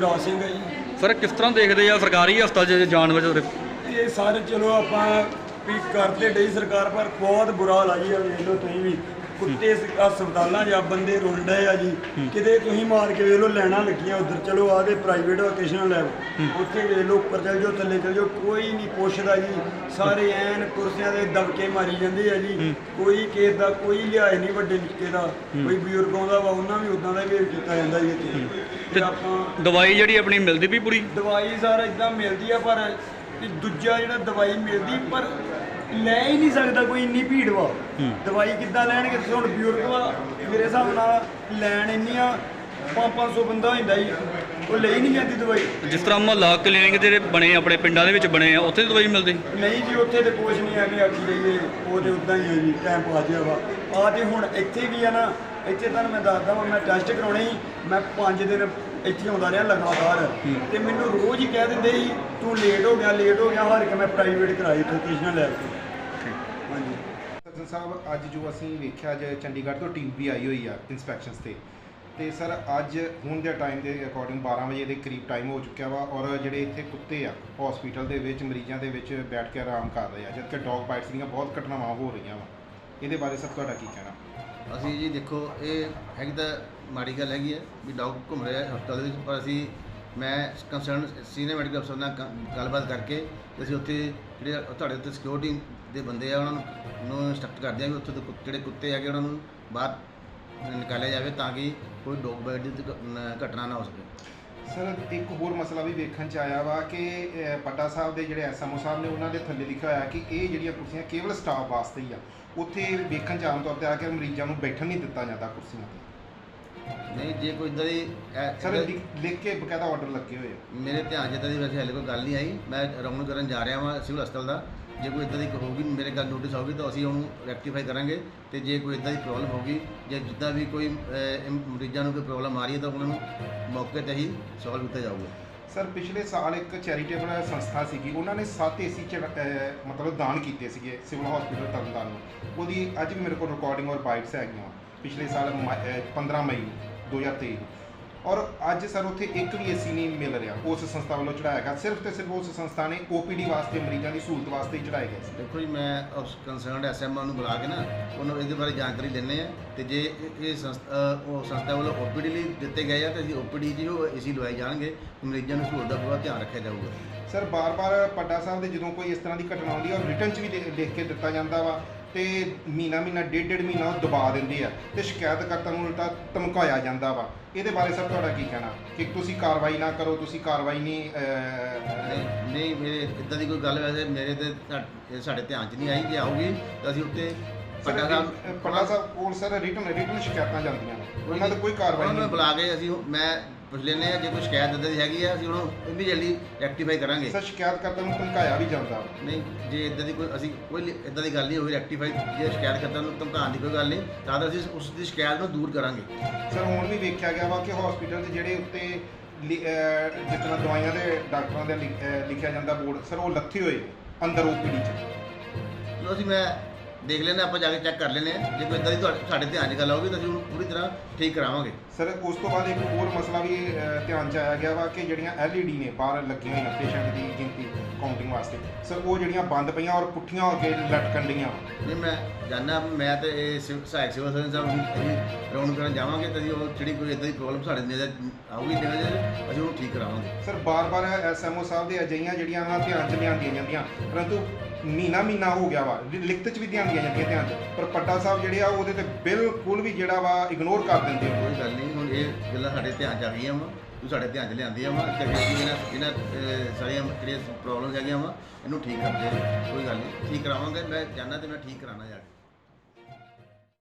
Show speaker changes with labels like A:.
A: युवराज सिंह है जी।
B: सर किस तरह देखते हैं सरकारी हस्पताल जान बच
A: ये सारे चलो आप भी करते डई सरकार पर बहुत बुरा हाल है जी। वेख लो तुम भी कुत्ते हस्पतालों च बंदे रुल डे आ जी। किते तुम मार के वेख लो लैना लगियां उधर चलो आदे प्राइवेट वोकेशनल लैब उत्थे वेख लो उपर चल जाओ थले चल जाओ कोई नहीं पुछदा जी। सारे ऐन कुर्सियां दे दबके मारी जांदे आ जी। कोई किस दा कोई लिहाज नहीं वड्डे निक्के दा कोई बजुर्ग आउंदा वा उन्हां भी उदां दा बिहेव कीता जांदा जी। इत्थे आपां
B: दवाई जिहड़ी अपनी मिलदी भी पूरी
A: दवाई सारा इदां मिलदी आ पर दूजा जिहड़ा दवाई मिलदी पर ਲੈ ਹੀ ਨਹੀਂ ਸਕਦਾ ਕੋਈ ਇੰਨੀ ਭੀੜ ਵਾ ਦਵਾਈ ਕਿੱਦਾਂ ਲੈਣਗੇ ਤੁਸੀਂ ਹੁਣ ਬਜ਼ੁਰਗ ਵਾ ਮੇਰੇ ਹਿਸਾਬ ਨਾਲ ਲੈਣ ਇੰਨੀਆਂ 500 ਬੰਦਾ ਹੁੰਦਾ ਜੀ ਉਹ ਲਈ ਨਹੀਂ ਜਾਂਦੀ ਦਵਾਈ।
B: ਜਿਸ ਤਰ੍ਹਾਂ ਮੁਹੱਲਾ ਕਲੀਨਿਕ ਜਿਹੜੇ ਬਣੇ ਆਪਣੇ ਪਿੰਡਾਂ ਦੇ ਵਿੱਚ ਬਣੇ ਆ ਉੱਥੇ ਦਵਾਈ ਮਿਲਦੀ
A: ਨਹੀਂ ਜੀ ਉੱਥੇ ਤੇ ਕੁਛ ਨਹੀਂ ਹੈਗੇ ਆਖੀ ਜਾਈਏ ਉਹ ਤੇ ਉਦਾਂ ਹੀ ਹੈ ਜੀ ਟਾਈਮ ਪਾ ਜਿਆ ਵਾ ਆ ਤੇ ਹੁਣ ਇੱਥੇ ਵੀ ਆ ਨਾ ਇੱਥੇ ਤੁਹਾਨੂੰ ਮੈਂ ਦੱਸਦਾ ਵਾ ਮੈਂ ਟੈਸਟ ਕਰਾਉਣੇ ਸੀ ਮੈਂ 5 ਦਿਨ ਇੱਥੇ ਆਉਂਦਾ ਰਿਹਾ ਲਗਾਤਾਰ ਤੇ ਮੈਨੂੰ ਰੋਜ਼ ਹੀ ਕਹਿ ਦਿੰਦੇ ਸੀ ਤੂੰ ਲੇਟ ਹੋ ਗਿਆ ਹਾਰ ਕੇ ਮੈਂ ਪ੍ਰਾਈਵੇਟ ਕਰਾਈ ਵੋਕੇਸ਼ਨਲ ਲੈਬ ਤੋਂ। ਹਾਂਜੀ
C: ਸੱਜਣ ਸਾਹਿਬ ਅੱਜ ਜੋ ਅਸੀਂ ਵੇਖਿਆ ਅੱਜ ਚੰਡੀਗੜ੍ਹ ਤੋਂ ਟੀਮ ਵੀ ਆਈ ਹੋਈ ਆ ਇਨਸਪੈਕਸ਼ਨਸ ਤੇ ਸਰ ਅੱਜ ਹੁਣ ਦੇ ਟਾਈਮ ਦੇ ਅਕੋਰਡਿੰਗ 12 ਵਜੇ ਦੇ ਕਰੀਬ ਟਾਈਮ ਹੋ ਚੁੱਕਿਆ ਵਾ ਔਰ ਜਿਹੜੇ ਇੱਥੇ ਕੁੱਤੇ ਆ ਹਸਪੀਟਲ ਦੇ ਵਿੱਚ ਮਰੀਜ਼ਾਂ ਦੇ ਵਿੱਚ ਬੈਠ ਕੇ ਆਰਾਮ ਕਰ ਰਹੇ ਆ ਜਦਕਿ ਡੌਗ ਬਾਈਟਸ ਦੀਆਂ ਬਹੁਤ ਘਟਨਾਵਾਂ ਹੋ ਰਹੀਆਂ ਵਾ ਇਹਦੇ ਬਾਰੇ ਸਭ ਤੁਹਾਡਾ ਕੀ ਕਹਿਣਾ?
D: ਅਸੀਂ ਜੀ ਦੇਖੋ ਇਹ ਹੈਗੀ ਤਾਂ ਮਾੜੀ ਗੱਲ ਹੈਗੀ ਹੈ ਵੀ ਡੌਗ ਘੁੰਮ ਰਿਹਾ ਹਸਪਤਾਲ ਦੇ ਵਿੱਚ ਪਰ ਮੈਂ ਕੰਸਰਨ ਸੀਨੀਅਰ ਮੈਡੀਕਲ ਅਫਸਰ ਨਾਲ ਗੱਲਬਾਤ ਕਰਕੇ ਤੇ ਅਸੀਂ ਉੱਥੇ ਜਿਹੜੇ ਤੁਹਾਡੇ ਉੱਤੇ ਸਿਕਿਉਰਿਟੀ ਦੇ ਬੰਦੇ ਆ ਉਹਨਾਂ ਨੂੰ ਇੰਸਟਰਕਟ ਕਰਦੇ ਆ ਵੀ ਉੱਥੇ ਦੇ ਜਿਹੜੇ ਕੁੱਤੇ ਹੈਗੇ ਉਹਨਾਂ ਨੂੰ ਬਾਹਰ ਨਿਕਾਲਿਆ ਜਾਵੇ ਤਾਂ ਕਿ ਕੋਈ ਡੌਗ ਬਾਈਟ ਦੀ ਘਟਨਾ ਨਾ ਹੋ ਸਕੇ।
C: ਸਰ ਇੱਕ ਹੋਰ ਮਸਲਾ ਵੀ ਵੇਖਣ 'ਚ ਆਇਆ ਵਾ ਕਿ ਪੱਡਾ ਸਾਹਿਬ ਦੇ ਜਿਹੜੇ ਐਸਐਮਓ ਸਾਹਿਬ ਨੇ ਉਹਨਾਂ ਦੇ ਥੱਲੇ ਲਿਖਿਆ ਹੋਇਆ ਕਿ ਇਹ ਜਿਹੜੀਆਂ ਕੁਰਸੀਆਂ ਕੇਵਲ ਸਟਾਫ ਵਾਸਤੇ ਹੀ ਆ। ਉੱਥੇ ਵੇਖਣ 'ਚ ਆਮ ਤੌਰ 'ਤੇ ਆ ਕੇ ਮਰੀਜ਼ਾਂ ਨੂੰ ਬੈਠਣ ਨਹੀਂ ਦਿੱਤਾ ਜਾਂਦਾ ਕੁਰਸੀਆਂ 'ਤੇ।
D: ਨਹੀਂ ਜੇ ਕੋਈ ਇੱਦਾਂ ਦੀ
C: ਸਰ ਲਿਖ ਕੇ ਬਕਾਇਦਾ ਆਰਡਰ ਲੱਗੇ ਹੋਏ ਆ।
D: ਮੇਰੇ ਧਿਆਨ 'ਚ ਇੱਦਾਂ ਦੀ ਵੈਸੇ ਹਾਲੇ ਕੋਈ ਗੱਲ ਨਹੀਂ ਆਈ। ਮੈਂ ਰਾਉਂਡ ਕਰਨ ਜਾ ਰਿਹਾ ਵਾਂ ਸਿਵਲ ਹਸਪਤਾਲ ਦਾ। ਜੇ ਕੋਈ ਇੱਦਾਂ ਦੀ ਹੋਊਗੀ ਮੇਰੇ ਗੱਲ ਨੋਟਿਸ ਆਊਗੀ ਤਾਂ ਅਸੀਂ ਉਹਨੂੰ ਰੈਕਟੀਫਾਈ ਕਰਾਂਗੇ ਤੇ ਜੇ ਕੋਈ ਇੱਦਾਂ ਦੀ ਪ੍ਰੋਬਲਮ ਹੋਊਗੀ ਜੇ ਜਿੱਦਾਂ ਵੀ ਕੋਈ ਮਰੀਜ਼ਾਂ ਨੂੰ ਕੋਈ ਪ੍ਰੋਬਲਮ ਆ ਰਹੀ ਹੈ ਤਾਂ ਉਹਨਾਂ ਨੂੰ ਮੌਕੇ 'ਤੇ ਹੀ ਸੋਲਵ ਕੀਤਾ ਜਾਊਗਾ।
C: ਸਰ ਪਿਛਲੇ ਸਾਲ ਇੱਕ ਚੈਰੀਟੇਬਲ ਸੰਸਥਾ ਸੀਗੀ ਉਹਨਾਂ ਨੇ 7 ਏਸੀ ਮਤਲਬ ਦਾਨ ਕੀਤੇ ਸੀਗੇ ਸਿਵਲ ਹਸਪੀਟਲ ਤਰਨਤਾਰਨ ਨੂੰ। ਉਹਦੀ ਅੱਜ ਵੀ ਮੇਰੇ ਕੋਲ ਰਿਕਾਰਡਿੰਗ ਔਰ ਬਾਈਟਸ ਹੈਗੀਆਂ ਪਿਛਲੇ ਸਾਲ 15 ਮਈ 2023 ਔਰ ਅੱਜ ਸਰ ਉੱਥੇ ਇੱਕ ਵੀ ਏਸੀ ਨਹੀਂ ਮਿਲ ਰਿਹਾ ਉਸ ਸੰਸਥਾ ਵੱਲੋਂ ਚੜਾਇਆ ਗਿਆ। ਸਿਰਫ ਤੇ ਸਿਰਫ ਉਸ ਸੰਸਥਾ ਨੇ OPD ਵਾਸਤੇ ਮਰੀਜ਼ਾਂ ਦੀ ਸਹੂਲਤ ਵਾਸਤੇ ਹੀ ਚੜਾਏ ਗਏ ਸੀ।
D: ਦੇਖੋ ਜੀ ਮੈਂ ਉਸ ਕੰਸਰਨਡ SMO ਨੂੰ ਬੁਲਾ ਕੇ ਨਾ ਉਹਨੂੰ ਇਹਦੇ ਬਾਰੇ ਜਾਣਕਾਰੀ ਦਿੰਦੇ ਆ ਤੇ ਜੇ ਇਹ ਸੰਸਥਾ ਵੱਲੋਂ OPD ਲਈ ਦਿੱਤੇ ਗਏ ਆ ਤੇ ਅਸੀਂ OPD 'ਚ ਉਹ ਏਸੀ ਲਵਾਏ ਜਾਣਗੇ ਮਰੀਜ਼ਾਂ ਨੂੰ ਸਹੂਲਤ ਦਾ ਪੂਰਾ ਧਿਆਨ ਰੱਖਿਆ ਜਾਊਗਾ।
C: ਸਰ ਬਾਰ-ਬਾਰ ਪੱਡਾ ਸਾਹਿਬ ਦੇ ਜਦੋਂ ਕੋਈ ਇਸ ਤਰ੍ਹਾਂ ਦੀ ਘਟਨਾ ਆਉਂਦੀ ਹੈ ਔਰ ਰਿਟਨ 'ਚ ਵੀ ਲਿਖ ਕੇ ਦਿੱਤਾ ਜਾਂਦਾ ਵਾ ਤੇ ਮਹੀਨਾ ਡੇਢ ਮਹੀਨਾ ਉਹ ਦਬਾ ਦਿੰਦੇ ਆ ਤੇ ਸ਼ਿਕਾਇਤਕਰਤਾ ਨੂੰ ਉਲਟਾ ਧਮਕਾਇਆ ਜਾਂਦਾ ਵਾ। ਇਹਦੇ ਬਾਰੇ ਸਰ ਤੁਹਾਡਾ ਕੀ ਕਹਿਣਾ ਕਿ ਤੁਸੀਂ ਕਾਰਵਾਈ ਨਾ ਕਰੋ ਤੁਸੀਂ ਕਾਰਵਾਈ
D: ਨਹੀਂ ਮੇਰੇ ਇੱਦਾਂ ਦੀ ਕੋਈ ਗੱਲ ਵੈਸੇ ਮੇਰੇ ਤੇ ਸਾਡੇ ਧਿਆਨ 'ਚ ਨਹੀਂ ਆਈ ਕਿ ਆਊਗੀ ਤਾਂ ਅਸੀਂ ਉੱਤੇ
C: ਪੱਡਾ ਸਾਹਿਬ ਕੋਲ ਸਰ ਰਿਟਨ ਸ਼ਿਕਾਇਤਾਂ ਜਾਂਦੀਆਂ ਨੇ ਉਹਨਾਂ ਤੇ ਕੋਈ ਕਾਰਵਾਈ ਨਹੀਂ।
D: ਬੁਲਾ ਕੇ ਅਸੀਂ ਮੈਂ ਪੁੱਛ ਲੈਂਦੇ ਆ ਜੇ ਕੋਈ ਸ਼ਿਕਾਇਤ ਇੱਦਾਂ ਦੀ ਹੈਗੀ ਆ ਅਸੀਂ ਉਹਨੂੰ ਇਮੀਡੀਏਟਲੀ ਰੈਕਟੀਫਾਈ ਕਰਾਂਗੇ।
C: ਸਰ ਸ਼ਿਕਾਇਤਕਰਤਾ ਨੂੰ ਧਮਕਾਇਆ ਵੀ ਜਾਂਦਾ
D: ਨਹੀਂ ਜੇ ਇੱਦਾਂ ਦੀ ਕੋਈ ਇੱਦਾਂ ਦੀ ਗੱਲ ਨਹੀਂ ਹੋਈ ਰੈਕਟੀਫਾਈ ਜੇ ਸ਼ਿਕਾਇਤਕਰਤਾ ਨੂੰ ਧਮਕਾਉਣ ਦੀ ਕੋਈ ਗੱਲ ਨਹੀਂ ਤਾਂ ਅਸੀਂ ਉਸ ਦੀ ਸ਼ਿਕਾਇਤ ਨੂੰ ਦੂਰ ਕਰਾਂਗੇ।
C: ਸਰ ਹੁਣ ਵੀ ਵੇਖਿਆ ਗਿਆ ਵਾ ਕਿ ਹਸਪੀਟਲ ਦੇ ਜਿਹੜੇ ਉੱਤੇ ਜਿਸ ਤਰ੍ਹਾਂ ਦਵਾਈਆਂ ਦੇ ਡਾਕਟਰਾਂ ਦੇ ਲਿਖਿਆ ਜਾਂਦਾ ਬੋਰਡ ਸਰ ਉਹ ਲੱਥੇ ਹੋਏ ਅੰਦਰ OPD 'ਚ।
D: ਅਸੀਂ ਮੈਂ ਦੇਖ ਲੈਂਦੇ ਆਪਾਂ ਜਾ ਕੇ ਚੈੱਕ ਕਰ ਲੈਂਦੇ ਹਾਂ ਜੇ ਕੋਈ ਇੱਦਾਂ ਦੀ ਸਾਡੇ ਧਿਆਨ 'ਚ ਗੱਲ ਆਊਗੀ ਤਾਂ ਅਸੀਂ ਉਹਨੂੰ ਪੂਰੀ ਤਰ੍ਹਾਂ ਠੀਕ ਕਰਾਵਾਂਗੇ।
C: ਸਰ ਉਸ ਤੋਂ ਬਾਅਦ ਇੱਕ ਹੋਰ ਮਸਲਾ ਵੀ ਧਿਆਨ 'ਚ ਆਇਆ ਗਿਆ ਵਾ ਕਿ ਜਿਹੜੀਆਂ LED ਨੇ ਬਾਹਰ ਲੱਗੀਆਂ ਹੋਈਆਂ ਪੇਸ਼ੈਂਟ ਦੀ ਗਿਣਤੀ ਕਾਊਂਟਿੰਗ ਵਾਸਤੇ ਸਰ ਉਹ ਜਿਹੜੀਆਂ ਬੰਦ ਪਈਆਂ ਔਰ ਪੁੱਠੀਆਂ ਹੋ ਕੇ ਲਟਕਣ ਡੀਆਂ।
D: ਨਹੀਂ ਮੈਂ ਜਾਣਦਾ ਮੈਂ ਤੇ ਇਹ ਸਹਾਇਕ ਸਿਵਲ ਸਰਜਨ ਸਾਹਿਬ ਅਸੀਂ ਰਾਉਂਡ ਕਰਨ ਜਾਵਾਂਗੇ ਤਾਂ ਅਸੀਂ ਉਹ ਜਿਹੜੀ ਕੋਈ ਇੱਦਾਂ ਦੀ ਪ੍ਰੋਬਲਮ ਸਾਡੇ ਨਜ਼ਰ ਆਊਗੀ ਅਸੀਂ ਉਹਨੂੰ ਠੀਕ ਕਰਾਵਾਂਗੇ।
C: ਸਰ ਬਾਰ-ਬਾਰ SMO ਸਾਹਿਬ ਦੇ ਅਜਿਹੀਆਂ ਜਿਹੜੀਆਂ ਉਹਨਾਂ ਧਿਆਨ 'ਚ ਲਿਆਂਦੀਆਂ ਜਾਂਦੀਆਂ ਪਰੰਤੂ ਮਹੀਨਾ ਹੋ ਗਿਆ ਵਾ ਲਿਖਤ 'ਚ ਵੀ ਦਿਆਂਦੀਆਂ ਜਾਂਦੀਆਂ ਧਿਆਨ 'ਚ ਪਰ ਪੱਡਾ ਸਾਹਿਬ ਜਿਹੜੇ ਆ ਉਹਦੇ ਤੇ ਬਿਲਕੁਲ ਵੀ ਜਿਹੜਾ ਵਾ ਇਗਨੋਰ ਕਰ ਦਿੰਦੇ ਹੋ।
D: ਕੋਈ ਗੱਲ ਨਹੀਂ ਹੁਣ ਇਹ ਗੱਲਾਂ ਸਾਡੇ ਧਿਆਨ 'ਚ ਆ ਗਈਆਂ ਵਾ ਤੂੰ ਸਾਡੇ ਧਿਆਨ 'ਚ ਲਿਆਂਦੀਆਂ ਵਾ ਤੇ ਇਹਨਾਂ ਸਾਰੀਆਂ ਜਿਹੜੀਆਂ ਪ੍ਰੋਬਲਮਸ ਹੈਗੀਆਂ ਵਾ ਇਹਨੂੰ ਠੀਕ ਕਰਦੇ ਕੋਈ ਗੱਲ ਨਹੀਂ ਠੀਕ ਕਰਾਵਾਂਗੇ। ਮੈਂ ਜਾਣਦਾ ਤੇ ਮੈਂ ਠੀਕ ਕਰਾਉਣਾ ਜਾ ਕੇ।